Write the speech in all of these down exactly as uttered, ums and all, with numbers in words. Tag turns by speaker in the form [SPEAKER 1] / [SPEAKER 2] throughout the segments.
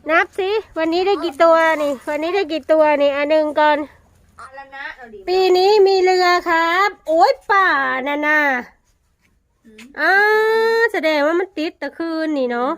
[SPEAKER 1] นับสิวันนี้ได้กี่ตัวนี่วันนี้ได้กี่ตัวนี่อันหนึ่งก่อนปีนี้มีเรือครับโอ้ยป่าน่ะน่ะอ่าแสดงว่ามันติดตะคืนนี่เนาะ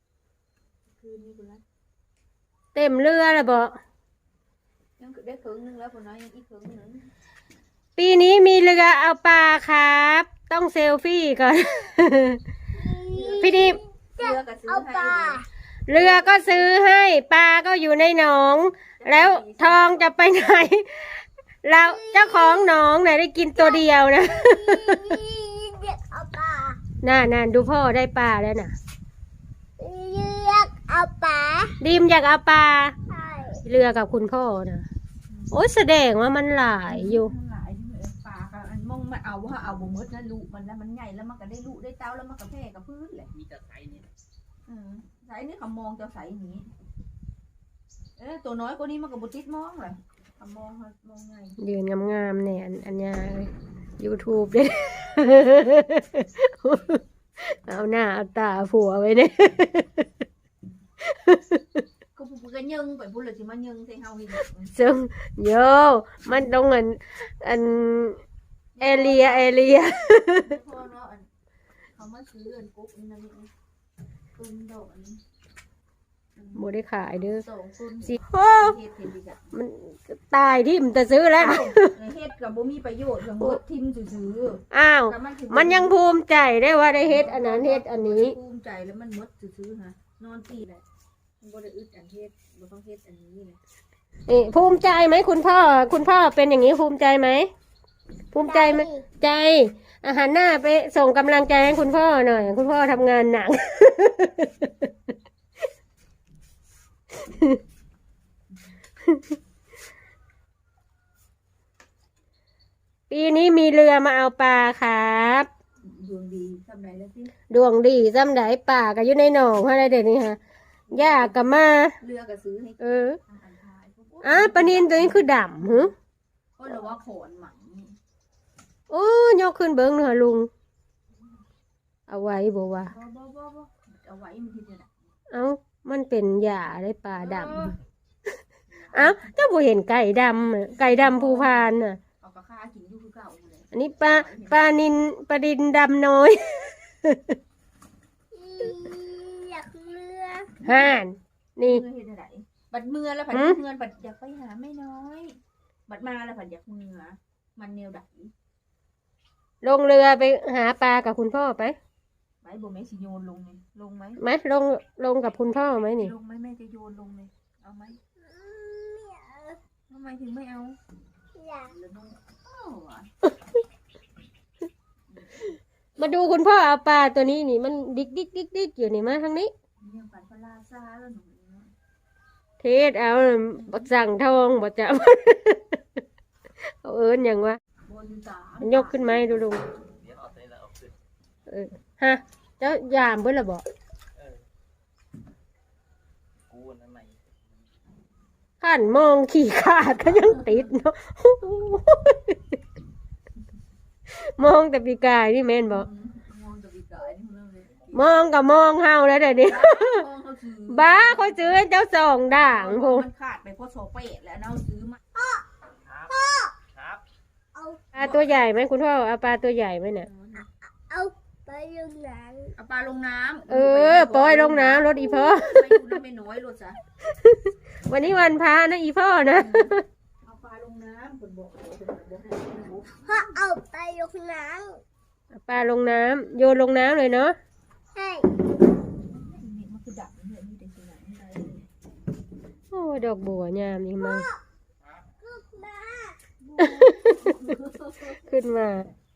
[SPEAKER 1] เต็มเรือแล้วบ่
[SPEAKER 2] ยังได้ครึ่งนึงแล้วคนน้อยยังอีกครึ่งนึง
[SPEAKER 1] ปีนี้มีเรือเอาปลาครับต้องเซลฟี่ก่อนพี่ดิบ
[SPEAKER 2] เรือก็ซื้อให้
[SPEAKER 1] เรือก็ซื้อให้ปลาก็อยู่ในหนองแล้วทองจะไปไหนเราเจ้าของหนองไหนได้กินตัวเดียวนะน่าน่าดูพ่อได้ปลาแล้วน่ะ
[SPEAKER 3] อยากเอาปลา
[SPEAKER 1] ดิมอยากเอาปลาเรือกับคุณพ่อนะโอ้ยแสดงว่ามันหลายอยู่
[SPEAKER 2] หลายปลาค่ะอันมองมันเอาว่าเอาบ่มดนะลูกมันแล้วมันใหญ่แล้วมันก็ได้ลูกได้เต้าแล้วมันก็แพร่กับพื้นแหละ
[SPEAKER 4] มีแต่ไซนี่
[SPEAKER 2] อืมไซนี่เขามองจะไซนี้เออตัวน้อยกว่านี้มันก็บุติดมองเลยเขามองมองไง
[SPEAKER 1] ยืนงามๆเนี่ยอันยาเลยยูทูบเลยเอาหน้าเอาตาผัวไว้เนี่ย
[SPEAKER 2] ก็พูดกันยังไปพูดเลยสิมันยังใส่เฮาอีก
[SPEAKER 1] ซึ่งโยมันตรงอันอันเอเลียเอเลีย
[SPEAKER 2] พ่อเนาะเขามาซื้อเงินกุ๊กนี่นะนี่ตุ้มดอกอันนี้
[SPEAKER 1] โมได้ขายเด้อ
[SPEAKER 2] สิโอ้
[SPEAKER 1] มันตายที่มันจะซื้อแล้ว
[SPEAKER 2] เฮ็ดกับบ่มีประโยชน์อย่างมดทิมซื้อ
[SPEAKER 1] อ้าวมันยังภูมิใจได้ว่าได้เฮ็ดอันนั้นเฮ็ดอันนี้
[SPEAKER 2] ภูมิใจแล้วมันมดซื้อฮะนอนตีแหละมันบ่ได้อึดอันเฮ็ดบ่ต้องเฮ็ดอันนี้เลย
[SPEAKER 1] นี่ภูมิใจไหมคุณพ่อคุณพ่อเป็นอย่างนี้ภูมิใจไหมภูมิใจไหมใจอาหารหน้าไปส่งกำลังใจให้คุณพ่อหน่อยคุณพ่อทำงานหนักปีนี้มีเรือมาเอาปลาครับ
[SPEAKER 2] ดวงดีซ้ำไหนแล้วสิ
[SPEAKER 1] ดวงดีซ้ำไหนป่าก็อยู่ในหนองอะไรเด็ดนี่ฮะย่ากับมา
[SPEAKER 2] เรือก็ซื้อให้
[SPEAKER 1] เอออ่ะปลานินตัวนี้คือดำหือ
[SPEAKER 2] ก็เราว่าโขนหมัน
[SPEAKER 1] โอ้ยกขึ้นเบิ้งหน่อยลุงเอาไว้บอกว่า
[SPEAKER 2] เอาไว้มันที่จะ
[SPEAKER 1] เอ้ามันเป็นหญ้าได้ปลาดำเอ้าเจ้าบ่เห็นไก่ดำไก่ดำภูพานน่ะ
[SPEAKER 2] เอากระค่ากินอยู่คือเก่าเลย
[SPEAKER 1] อันนี้ปลาปลานินปลาดินดำน้อย
[SPEAKER 3] อยากเรือ
[SPEAKER 1] ห่านนี่
[SPEAKER 2] บัดเมื่อแล้วผัดเมื่อบัดอยากไปหาไม่น้อยบัดมาแล้วผัดอยากเมื่อมันแนวดัก
[SPEAKER 1] ลงเรือไปหาปลากับคุณพ่อไป
[SPEAKER 2] ไปบ่แม่สิโยนลงเลยลงไหม
[SPEAKER 1] ไหมลงลงกับคุณพ่อไหมนี่
[SPEAKER 2] ลงไหมแม่จะโยนลงเลยเอาไหมทำไมถึงไม่เอา
[SPEAKER 3] อยาก
[SPEAKER 1] มาดูคุณพ่อเอาปลาตัวนี้นี่มันดิกดิกดิกดิกอยู่นี่มาทางนี้เทศเอาบักสั่งทองบักจับเอาเอิญอย่างวะยกขึ้นไหมดูลุงเออฮะเจ้ายามเบิ้ลละบอกขันมองขี่ขาดก็ยังติดเนาะมองแต่ปีกายนี่แม่นบอกมองกับมองเฮาแล้วเดี๋ยวนี้บ้าเขาซื้อให้เจ้าสองด่างพง
[SPEAKER 2] มันขาดไปเพราะโซเปตแล้วเราซื้อมา
[SPEAKER 1] ปลาตัวใหญ่ไหมคุณพ่อเอาปลาตัวใหญ่ไหมเนี่ย
[SPEAKER 3] เอาไปลงน้
[SPEAKER 2] ำเอาปลาลงน้ำ
[SPEAKER 1] เออปล่อยลงน้ำรถอีพ่อ
[SPEAKER 2] ไปอยู่น้ำไม่น้อยรถจ้ะ
[SPEAKER 1] วันนี้วันพระนะอีพ่อนะ
[SPEAKER 2] เอาปลาลงน้ำคนบอก
[SPEAKER 3] พ่อเอาไปลงน้
[SPEAKER 1] ำปลาลงน้ำโยนลงน้ำเลยเนาะ
[SPEAKER 3] ใช่
[SPEAKER 2] มันคือดับเนี่ยมีแต่ตัวไหน
[SPEAKER 1] โอ้ดอกบัวงามนี่มั้งขึ้นมา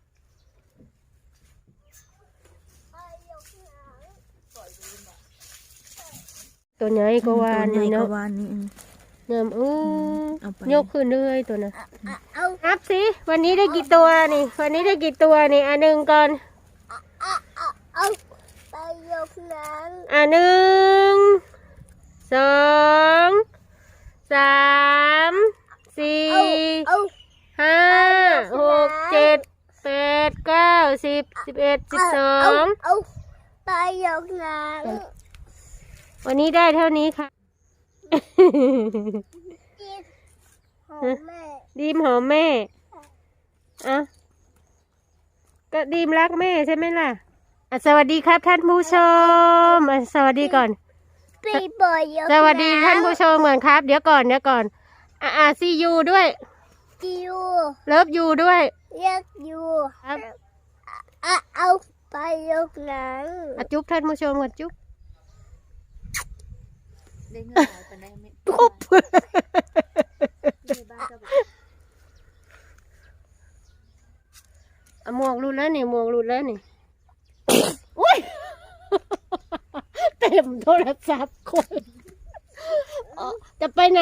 [SPEAKER 1] ตัวใหญ่ก็วานนี่เนาะเนิ่มอู้ยกขึ้นเลยตัวน่ะนับสิวันนี้ได้กี่ตัวนี่วันนี้ได้กี่ตัวนี่อันหนึ่งก่อน
[SPEAKER 3] เอาไปยกน้
[SPEAKER 1] ำอันหนึ่งสองสามสี่ห้าหกเจ็ดแปดเก้าสิบสิบเอ็ดสิบสอง
[SPEAKER 3] ไปยกน้ำ
[SPEAKER 1] วันนี้ได้เท่านี้ค่ะ
[SPEAKER 3] ดีของแม่
[SPEAKER 1] ดีมหอมแม่อ่ะก็ดีมรักแม่ใช่ไหมล่ะอ่ะสวัสดีครับท่านผู้ชมอ่ะสวัสดีก่อน
[SPEAKER 3] ปีบอยยก
[SPEAKER 1] สวัสดีท่านผู้ชมก่อนครับ เดี๋ยวก่อนเดี๋ยวก่อนอ่ะอ่ะซียูด้วย
[SPEAKER 3] จิว
[SPEAKER 1] เลิฟยูด้วย
[SPEAKER 3] เรียกยู
[SPEAKER 1] ครับ
[SPEAKER 3] อ่ะเอาไปยกหนัง
[SPEAKER 1] อ่ะจุ๊บท่านผู้ชมก่อนจุ๊บ
[SPEAKER 2] ได้เงินหลายปานใดไม่
[SPEAKER 1] จุ๊บ
[SPEAKER 2] ในบ้านก็แบบ
[SPEAKER 1] อ่ะหมวกหลุดแล้วนี่หมวกหลุดแล้วนี่ อุ้ย เต็มโทรศัพท์คนอ๋อจะไปไหน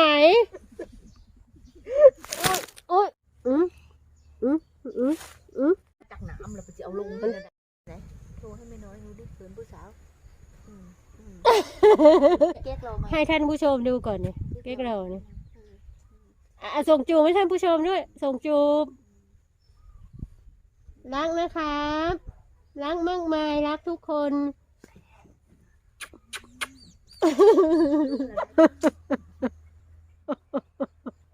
[SPEAKER 1] อุ้ยอืมอืมอืมอืม
[SPEAKER 2] จากน้ำเราไปจะเอาลงกันไหนโทรให้ไม่น้อยดูดิเขินผู้สาวอืมอืมแก๊กเรามา
[SPEAKER 1] ให้ท่านผู้ชมดูก่อนเนี่ยเก๊กเราเนี่ยอ่ะส่งจูบให้ท่านผู้ชมด้วย ส่งจูบรักนะครับรักมากมายรักทุกคน